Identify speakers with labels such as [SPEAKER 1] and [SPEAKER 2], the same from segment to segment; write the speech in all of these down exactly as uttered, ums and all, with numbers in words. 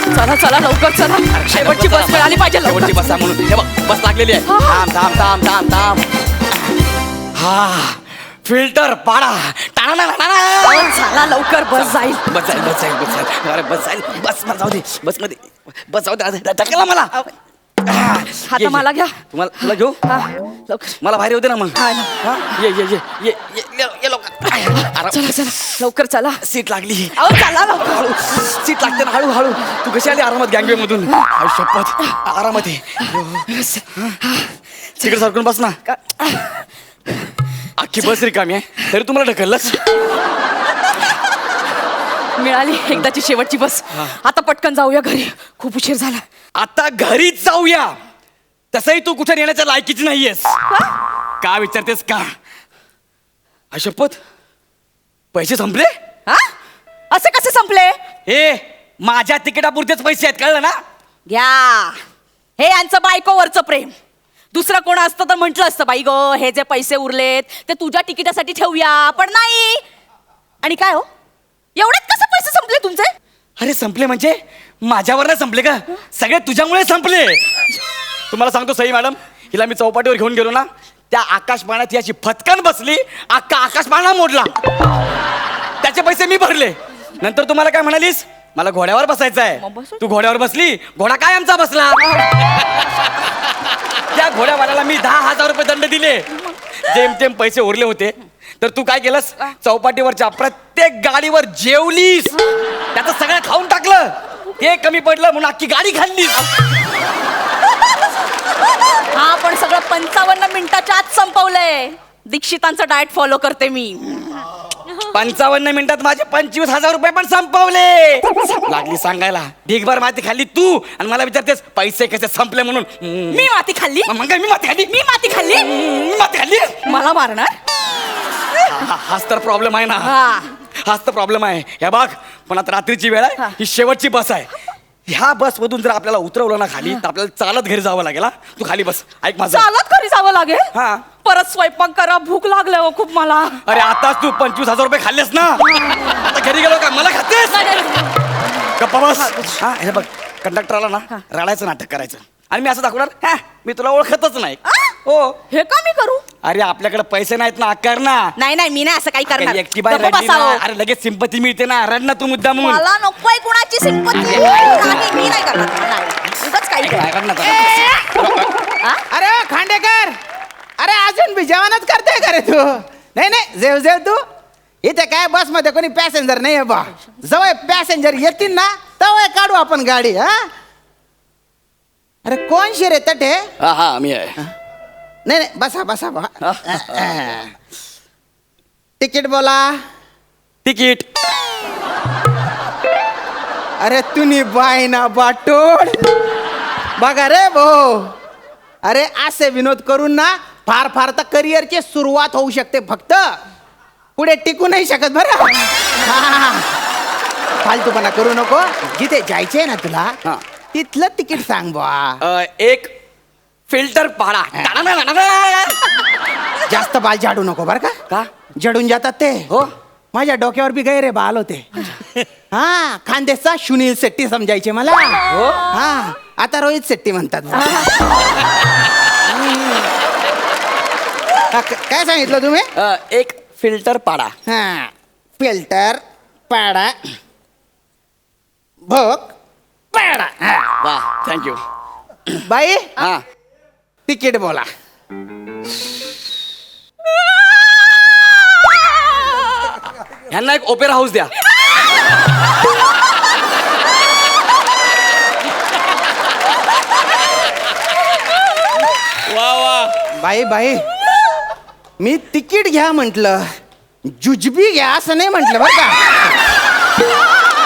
[SPEAKER 1] चला चला लवकर चला, शेवटची बस मिळाली पाहिजे.
[SPEAKER 2] शेवटची बस आहे म्हणून हे बघ बस लागलेली आहे. थांब थांब थांब थांब थांब. हा फिल्टर पाडा.
[SPEAKER 1] चला लवकर, बस जाईल.
[SPEAKER 2] बस जाईल बस जाईल बस जाईल अरे बस जाईल. बस मला जाऊ दे बस मध्ये बस जाऊ दे. टाकला मला
[SPEAKER 1] आता मला घ्या.
[SPEAKER 2] तुम्हाला तुला घेऊ
[SPEAKER 1] लवकर
[SPEAKER 2] मला बाहेर होते ना मग.
[SPEAKER 1] हा ना.
[SPEAKER 2] हा? ये ये ये ये ये ये लवकर. आराम.
[SPEAKER 1] चला चला लवकर चला.
[SPEAKER 2] सीट लागली.
[SPEAKER 1] अहो चला लवकर.
[SPEAKER 2] हळू सीट लागते ना हळू हळू. तू कशी आली आरामात गँगवे मधून. शपथ आरामात आहे. तिकडे सरकून बस ना. अख्खी बस रिकामी आहे तरी तुम्हाला ढकललंच.
[SPEAKER 1] मिळाली एकदाची शेवटची बस. आता पटकन जाऊया घरी, खूप उशीर झाला.
[SPEAKER 2] आता घरीच जाऊया. तसंही तू कुठे येण्याच्या लायकीची नाहीयेस. का विचारतेस का? शपथ पैसे संपले.
[SPEAKER 1] हा असे कसे संपले?
[SPEAKER 2] हे माझ्या तिकिटापुरतेच पैसे आहेत कळलं ना.
[SPEAKER 1] घ्या, हे यांचं बायकोवरचं प्रेम. दुसरं कोण असतं तर म्हटलं असतं बाई गो हे जे पैसे उरलेत ते तुझ्या तिकिटासाठी ठेवूया, पण नाही. आणि काय हो एवढ्यात कसं पैसे संपले तुमचे?
[SPEAKER 2] अरे संपले म्हणजे माझ्यावर नाही संपले का, सगळे तुझ्यामुळे संपले. तुम्हाला सांगतो सई मॅडम, हिला मी चौपाटीवर घेऊन गेलो ना, त्या आकाशबाणात याची फटकन बसली, अख्खा आकाशबाणा मोडला. त्याचे पैसे मी भरले. नंतर तुम्हाला काय म्हणालीस, मला घोड्यावर बसायचं आहे. तू घोड्यावर बसली, घोडा काय आमचा बसला. त्या घोड्यावाल्याला मी दहा हजार रुपये दंड दिले. जेमतेम पैसे उरले होते तर तू काय केलंस, चौपाटीवरच्या प्रत्येक गाडीवर जेवलीस, त्याचं सगळं खाऊन टाकलं. ते कमी पडलं म्हणून अख्खी गाडी खाल्लीस.
[SPEAKER 1] हा पण सगळं पंचावन्न मिनिटाच्या आत संपवलंय. दीक्षितांचं डाएट फॉलो करते मी.
[SPEAKER 2] पंचावन्न मिनिटात माझे पंचवीस हजार रुपये पण संपवले. लागली सांगायला ढीगभर माती खाल्ली तू आणि मला विचारतेस पैसे कसे संपले म्हणून.
[SPEAKER 1] मी माती खाल्ली?
[SPEAKER 2] मग काय मी माती खाल्ली?
[SPEAKER 1] मी माती खाल्ली?
[SPEAKER 2] मी माती खाल्ली?
[SPEAKER 1] मला मारणार?
[SPEAKER 2] हा- हाच तर प्रॉब्लेम आहे ना. हाच तर प्रॉब्लेम आहे. हे बघ पण आता रात्रीची वेळ आहे, ही शेवटची बस आहे. ह्या बस मधून जर आपल्याला उतरवलं ना खाली तर आपल्याला चालत घरी जावं लागेल. हा तू खाली बस. ऐक माझं.
[SPEAKER 1] चालत घरी जावं लागेल?
[SPEAKER 2] हा.
[SPEAKER 1] परत स्वयंपाक करा, भूक लागले हो खूप मला.
[SPEAKER 2] अरे आताच तू पंचवीस हजार रुपये खाल्लेस ना, आता घरी गेलो का मला खातेस? गप्पा बस. हा हे बघ कंडक्टर आला ना, रडायचं नाटक करायचं आणि मी असं दाखवणार, हा मी तुला ओळखतच नाही. हो.
[SPEAKER 1] हे का मी करू?
[SPEAKER 2] अरे आपल्याकडे पैसे नाहीत ना, कर ना.
[SPEAKER 1] नाही नाही मी नाही असं काही करणार.
[SPEAKER 2] एकटी बाई
[SPEAKER 1] गप्प
[SPEAKER 2] रडली ना,
[SPEAKER 1] बसावं.
[SPEAKER 2] अरे लगेच सिंपती मिळते ना, रड ना तू मुद्दा म्हणून.
[SPEAKER 1] मला नकोय कुणाची सिंपती. नाही मी नाही करणार. नाही. उगाच काही
[SPEAKER 2] रड ना जरा.
[SPEAKER 1] हा?
[SPEAKER 3] अरे खांडेकर, अरे अजून बी जेवणच करतोय का रे तू? नाही नाही जेव जेव तू. इथे काय बस मध्ये कोणी पॅसेंजर नाही आहे बा. जवळ पॅसेंजर येतील ना तेव्हा काढू आपण गाडी. हा अरे कोण शिरे तटे?
[SPEAKER 2] हा हा मी आहे.
[SPEAKER 3] नाही नाही बसा बसा बा. तिकीट बोला.
[SPEAKER 2] तिकीट.
[SPEAKER 3] अरे तुम्ही बाय ना बाटोड बघा रे भाऊ. अरे असे विनोद करून ना फार फार तर करिअरची सुरुवात होऊ शकते, फक्त पुढे टिकू नाही शकत बरं. हा. फालतूपणा करू नको. जिथे जायचंय ना तुला
[SPEAKER 2] हा.
[SPEAKER 3] तिथलं तिकीट सांग बा.
[SPEAKER 2] अ, एक फिल्टर पाडा.
[SPEAKER 3] जास्त बाल झाडू नको बरं का.
[SPEAKER 2] का?
[SPEAKER 3] जडून जातात ते.
[SPEAKER 2] हो.
[SPEAKER 3] माझ्या डोक्यावर बी गैरे बाल होते. हा खानदेशचा सुनील शेट्टी समजायचे मला.
[SPEAKER 2] हो.
[SPEAKER 3] हा आता रोहित शेट्टी म्हणतात. हा, क- काय सांगितलं तुम्ही?
[SPEAKER 2] अ, एक फिल्टर पाडा.
[SPEAKER 3] हा फिल्टर पाडा भोग पाडा. हा.
[SPEAKER 2] वा थँक्यू.
[SPEAKER 3] बाई
[SPEAKER 2] हा
[SPEAKER 3] तिकीट बोला.
[SPEAKER 2] ह्यांना एक ओपेरा हाऊस द्या. वा वा.
[SPEAKER 3] बाई बाई मी तिकीट घ्या म्हटलं, जुजबी घ्या असं नाही म्हटलं बरं का.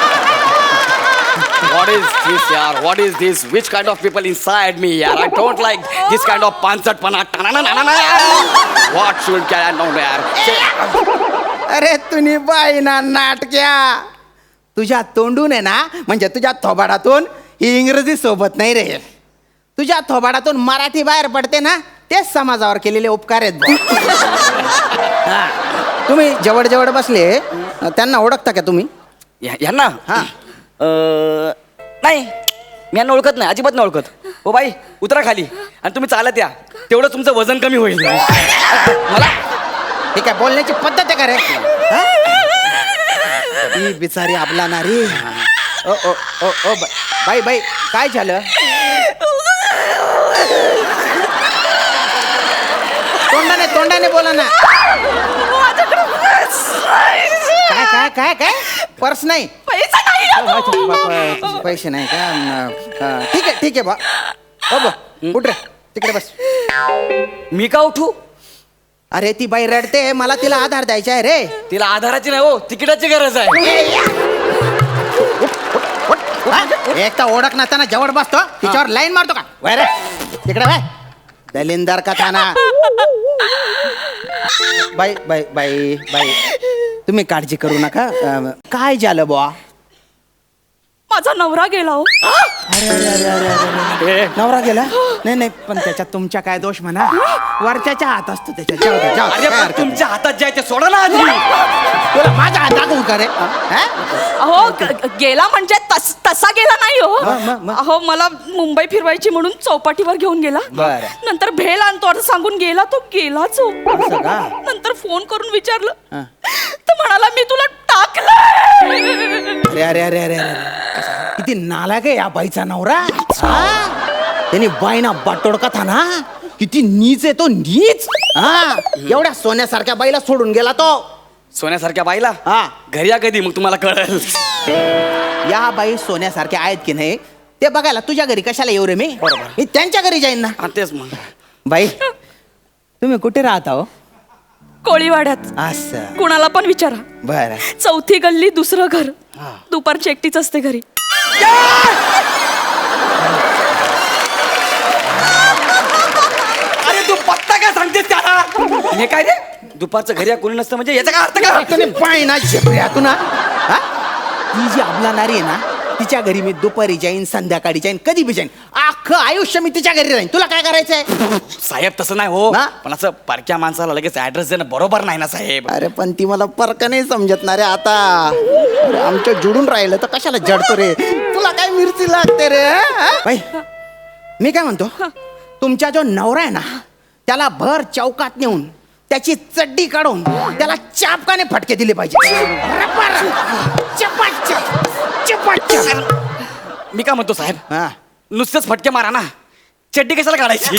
[SPEAKER 2] What is this यार? What is this? Which kind of people inside me यार? I don't like this kind of पानसटपणा. What should I know यार?
[SPEAKER 3] अरे तुम्ही बाई ना नाटक्या, तुझ्या तोंडून आहे ना, म्हणजे तुझ्या थोबाडातून ही इंग्रजी सोबत नाही रे. तुझ्या थोबाडातून मराठी बाहेर पडते ना, तेच समाजावर केलेले उपकार आहेत बुवा. हा. तुम्ही जवळ जवळ बसले त्यांना ओळखता का तुम्ही?
[SPEAKER 2] या- यांना
[SPEAKER 3] हा.
[SPEAKER 2] अ, नाही नाही मी यांना ओळखत नाही, अजिबात नाही ओळखत. हो बाई उतरा खाली आणि तुम्ही चालत या, तेवढं तुमचं वजन कमी होईल. मला
[SPEAKER 3] हे काय बोलण्याची पद्धत आहे का रे? हा? ही बिचारी आपला नारी. ओ ओ ओ ओ बा- बाई बाई काय झालं? तोंडाने तोंडाने बोला ना. काय काय काय काय पर्स नाही?
[SPEAKER 1] पैसा नाही ना तो.
[SPEAKER 3] प- प- पैसे नाही का? न- हा, ठीक आहे ठीक आहे बा. हो बा उठ रे तिकडे बस.
[SPEAKER 2] मी का उठू?
[SPEAKER 3] अरे ती बाई रडते, मला तिला आधार द्यायचा आहे रे.
[SPEAKER 2] तिला आधाराची नाही हो, तिकिटाची गरज आहे.
[SPEAKER 3] हा? एक तर ओळख नसताना जवळ बसतो, तिच्यावर लाईन मारतो का? वय रे तिकडे बाय दलिंदर का थाना. बाई बाई बाई बाई तुम्ही काळजी करू नका. अं, काय झालं बुवा?
[SPEAKER 1] माझा नवरा गेला हो.
[SPEAKER 3] अरे अरे अरे अरे अरे
[SPEAKER 2] ए,
[SPEAKER 3] नवरा गेला? नाही नाही पण त्याच्यात तुमच्या काय दोष म्हणा, वरच्याच्या हात असतो त्याच्या. जाऊ दे, जाऊ दे,
[SPEAKER 2] अरे
[SPEAKER 3] काय
[SPEAKER 2] पण
[SPEAKER 3] हरकत
[SPEAKER 2] तुमच्या हातात जे आहे ते सोडा ना आधी.
[SPEAKER 3] नाही. तुला माझ्या हात दाखवू का रे? हा?
[SPEAKER 1] अहो ग- गेला म्हणजे तस- तसा गेला नाही हो.
[SPEAKER 3] मग, मग, मग.
[SPEAKER 1] अहो मला मुंबई फिरवायची म्हणून चौपाटीवर घेऊन गेला.
[SPEAKER 3] बरं.
[SPEAKER 1] नंतर भेल आणतो असं सांगून गेला तो गेलाच हो.
[SPEAKER 3] असं का?
[SPEAKER 1] नंतर फोन करून विचारलं
[SPEAKER 3] हा.
[SPEAKER 1] तर म्हणाला मी तुला टाकलं.
[SPEAKER 3] अरे अरे अरे अरे अरे किती नालायक आहे या बाईचा नवरा. हा? त्याने बाईना बाटोडका था ना, किती नीच आहे तो, नीच. हा एवढ्या सोन्यासारख्या बाईला सोडून गेला तो.
[SPEAKER 2] सोन्यासारख्या बाईला
[SPEAKER 3] हा
[SPEAKER 2] घरी या कधी मग तुम्हाला कळेल.
[SPEAKER 3] या बाई सोन्यासारख्या आहेत की नाही ते बघायला तुझ्या घरी कशाला येऊ रे मी?
[SPEAKER 2] बरोबर.
[SPEAKER 3] मी त्यांच्या घरी जाईन ना.
[SPEAKER 2] हा, तेच मग.
[SPEAKER 3] बाई तुम्ही कुठे राहता हो?
[SPEAKER 1] कोळीवाड्यात.
[SPEAKER 3] असं
[SPEAKER 1] कुणाला पण विचारा.
[SPEAKER 3] बर.
[SPEAKER 1] चौथी गल्ली दुसरं घर. दुपारची एकटीच असते घरी.
[SPEAKER 2] अरे तू पत्ता काय सांगतेस त्याला? हे काय रे दुपारचं घरी या कोणी नसतं म्हणजे याचा काय अर्थ काय?
[SPEAKER 3] तुम्ही पाय ना झेपऱ्या तू ना. हा? ती जी आपला नारी आहे ना, तिच्या घरी मी दुपारी जाईन, संध्याकाळी जाईन, कधी बी जाईन. अख्खं आयुष्य मी तिच्या घरी राहीन. तुला काय करायचंय?
[SPEAKER 2] साहेब तसं नाही हो,
[SPEAKER 3] ना?
[SPEAKER 2] पण असं पारख्या माणसाला लगेच ऍड्रेस देणं बरोबर नाही ना साहेब.
[SPEAKER 3] अरे पण ती मला परक नाही समजत रे आता. अरे, आमच्या जुडून राहिलं तर कशाला जडतो रे? तुला काय मिरची लागते रे? हा? बाई मी काय म्हणतो, तुमचा जो नवरा आहे ना त्याला भर चौकात नेऊन त्याची चड्डी काढून त्याला चापकाने फटके दिले पाहिजे. रबर. चपाचप. चपाचप.
[SPEAKER 2] मी काय म्हणतो साहेब,
[SPEAKER 3] हा.
[SPEAKER 2] नुसतेच फटके मारा ना, चड्डी कशाला काढायची?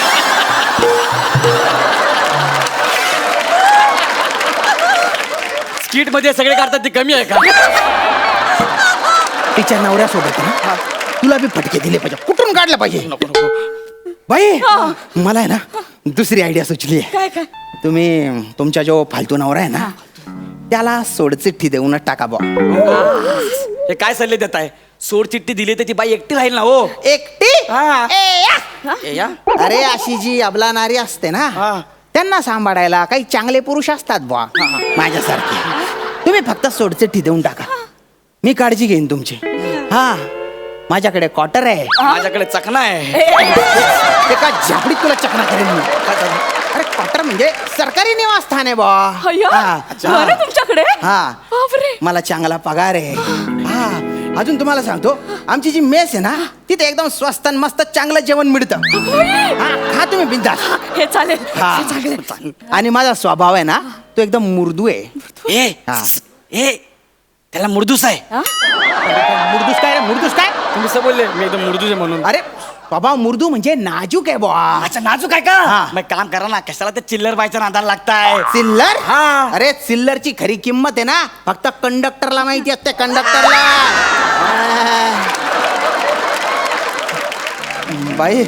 [SPEAKER 2] स्किट मध्ये सगळे काढतात ती कमी आहे का?
[SPEAKER 3] तिच्या नवऱ्यासोबत ना तुला बी फटके दिले पाहिजे. कुठून काढलं पाहिजे?
[SPEAKER 2] नको नको.
[SPEAKER 3] बाई मला आहे ना दुसरी आयडिया सुचली आहे.
[SPEAKER 1] काय काय?
[SPEAKER 3] तुम्ही तुमचा जो फालतू नवरा आहे ना त्याला सोडचिठ्ठी देऊनच टाका बा.
[SPEAKER 2] हे काय सल्ले देत आहे? सोड चिठ्ठी दिली तर ती बाई एकटी राहील ना हो.
[SPEAKER 3] एकटी?
[SPEAKER 2] हा.
[SPEAKER 3] ए, या.
[SPEAKER 2] ए, या.
[SPEAKER 3] अरे अशी जी अबला नारी असते ना
[SPEAKER 2] हा.
[SPEAKER 3] त्यांना सांभाळायला काही चांगले पुरुष असतात बुवा माझ्यासारखे. तुम्ही फक्त सोडचिठ्ठी देऊन टाका, मी काळजी घेईन तुमची. हा माझ्याकडे क्वार्टर आहे.
[SPEAKER 2] माझ्याकडे चकना आहे.
[SPEAKER 3] एका झापडीत तुला चकना करेन मी. अरे क्वार्टर म्हणजे सरकारी निवासस्थान आहे बुवा.
[SPEAKER 1] अय्या,
[SPEAKER 3] हा.
[SPEAKER 1] घर आहे तुमच्याकडे?
[SPEAKER 3] हा.
[SPEAKER 1] बापरे.
[SPEAKER 3] मला चांगला पगार आहे. हा अजून तुम्हाला सांगतो, आमची जी मेस आहे ना तिथे एकदम स्वस्त आणि मस्त चांगलं जेवण मिळतं. हा खा तुम्ही बिंदास.
[SPEAKER 1] हे चालेल.
[SPEAKER 3] हा.
[SPEAKER 1] हे चांगलं.
[SPEAKER 3] आणि माझा स्वभाव आहे ना तो एकदम मुर्दू आहे.
[SPEAKER 2] ए
[SPEAKER 3] हा.
[SPEAKER 2] ए त्याला मुर्दूस आहे.
[SPEAKER 1] हा?
[SPEAKER 3] मुर्दूस काय रे? मुर्दूस काय?
[SPEAKER 2] तुम्ही असं बोलले मी एकदम मुर्दूस आहे म्हणून.
[SPEAKER 3] अरे स्वभाव मुर्दू म्हणजे नाजूक आहे बुवा.
[SPEAKER 2] अच्छा नाजूक आहे का?
[SPEAKER 3] हा.
[SPEAKER 2] मग काम करा ना, कशाला ते चिल्लर बायच्या नादाला लागताय?
[SPEAKER 3] चिल्लर?
[SPEAKER 2] हा.
[SPEAKER 3] अरे चिल्लरची खरी किंमत आहे ना फक्त कंडक्टरला माहिती असते. कंडक्टरला. बाई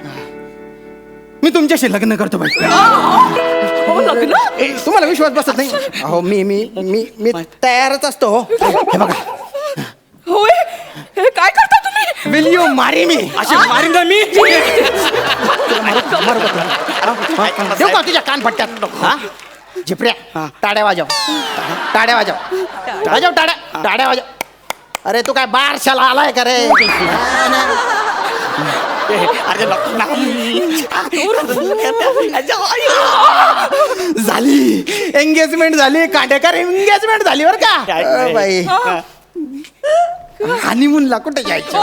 [SPEAKER 3] मी तुमच्याशी लग्न करतो बाई.
[SPEAKER 1] हो लग्न?
[SPEAKER 3] ए, तुम्हाला विश्वास बसत नाही? अहो मी मी मी मी तयारच असतो. हे बघा.
[SPEAKER 1] होय. हे काय करता तुम्ही?
[SPEAKER 3] Will you marry me?
[SPEAKER 2] अशी मारीन ना मी.
[SPEAKER 3] देऊ का तुझ्या कान पट्ट्यात? हा झिपऱ्या टाड्या वाजव. टाड्या वाजव. वाजव टाड्या. टाड्या वाजव. अरे तू काय बारशाला आलाय का रे?
[SPEAKER 2] अरे नको ना.
[SPEAKER 3] झाली एंगेजमेंट झाली. कांडेकर एंगेजमेंट झाली बरं का?
[SPEAKER 2] काय?
[SPEAKER 3] अ, बाई हनीमूनला कुठे जायचं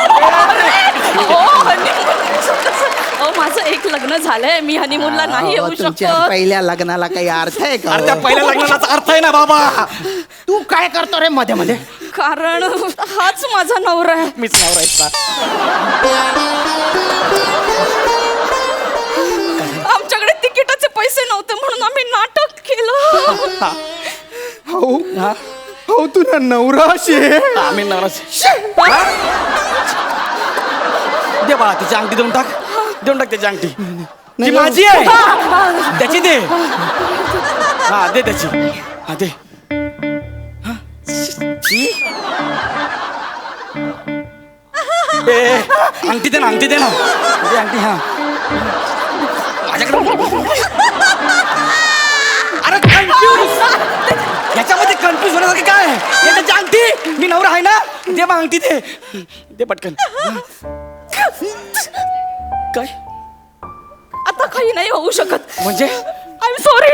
[SPEAKER 1] अहो माझं एक लग्न झालंय, मी हनीमूनला नाही येऊ
[SPEAKER 3] तुमच्या
[SPEAKER 1] शकत.
[SPEAKER 3] पहिल्या लग्नाला काही अर्थ आहे का
[SPEAKER 2] अरे त्या
[SPEAKER 3] हो?
[SPEAKER 2] पहिल्या लग्नाचा अर्थ आहे ना बाबा.
[SPEAKER 3] तू काय करतो रे मध्ये मध्ये
[SPEAKER 1] कारण हाच माझा नवरा आहे.
[SPEAKER 2] मीच नवरायचा.
[SPEAKER 1] आमच्याकडे तिकिटाचे पैसे नव्हते म्हणून आम्ही नाटक केलं.
[SPEAKER 3] हो हो तुला नवरा अशी
[SPEAKER 2] आम्ही नवराच. दे बाळा तिची अंगठी देऊन टाक, देऊन टाक त्याची अंगठी. ती
[SPEAKER 3] नाही,
[SPEAKER 2] माझी आहे, त्याची दे. हा दे त्याची. हा दे. हा. छी. ए, अंगठी दे ना, अंगठी दे ना. दे अंगठी. हा माझ्याकडे. अरे कन्फ्यूज, याच्यामध्ये कन्फ्यूज होण्यासारखं काय आहे? हे त्याची अंगठी, मी नवरा आहे ना. दे मग अंगठी दे, दे पटकन. काय
[SPEAKER 1] आता काही नाही होऊ शकत.
[SPEAKER 2] म्हणजे
[SPEAKER 1] आय एम सॉरी.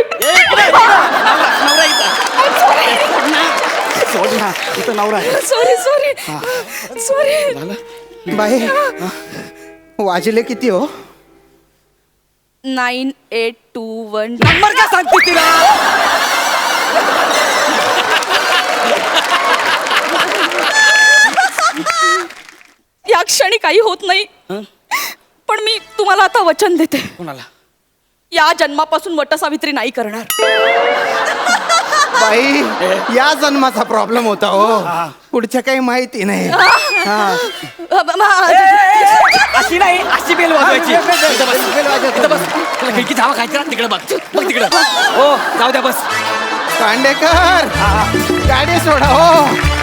[SPEAKER 2] सोड ना, इथं नवरा आहे.
[SPEAKER 1] Sorry sorry sorry.
[SPEAKER 2] झालं.
[SPEAKER 3] बाई वाजले किती हो?
[SPEAKER 1] Nine eight two one.
[SPEAKER 2] Number काय सांगते तिला?
[SPEAKER 1] या क्षणी काही होत नाही,
[SPEAKER 2] हं?
[SPEAKER 1] पण मी तुम्हाला आता वचन देते,
[SPEAKER 2] कोणाला?
[SPEAKER 1] या जन्मापासून वटसावित्री नाही करणार.
[SPEAKER 3] बाई या जन्माचा प्रॉब्लेम होता हो, पुढच्या काही माहिती नाही. हा.
[SPEAKER 2] अशी नाही, अशी बेल वाजवायची.
[SPEAKER 3] हा, बेल, बेल,
[SPEAKER 2] इथं बस,
[SPEAKER 3] बेल वाजवतो.
[SPEAKER 2] इथं बस. तुला खिडकी धावा खायची ना, तिकडे बघ, बघ तिकडे. हो जाऊ द्या बस.
[SPEAKER 3] कांडेकर गाडी सोडा हो.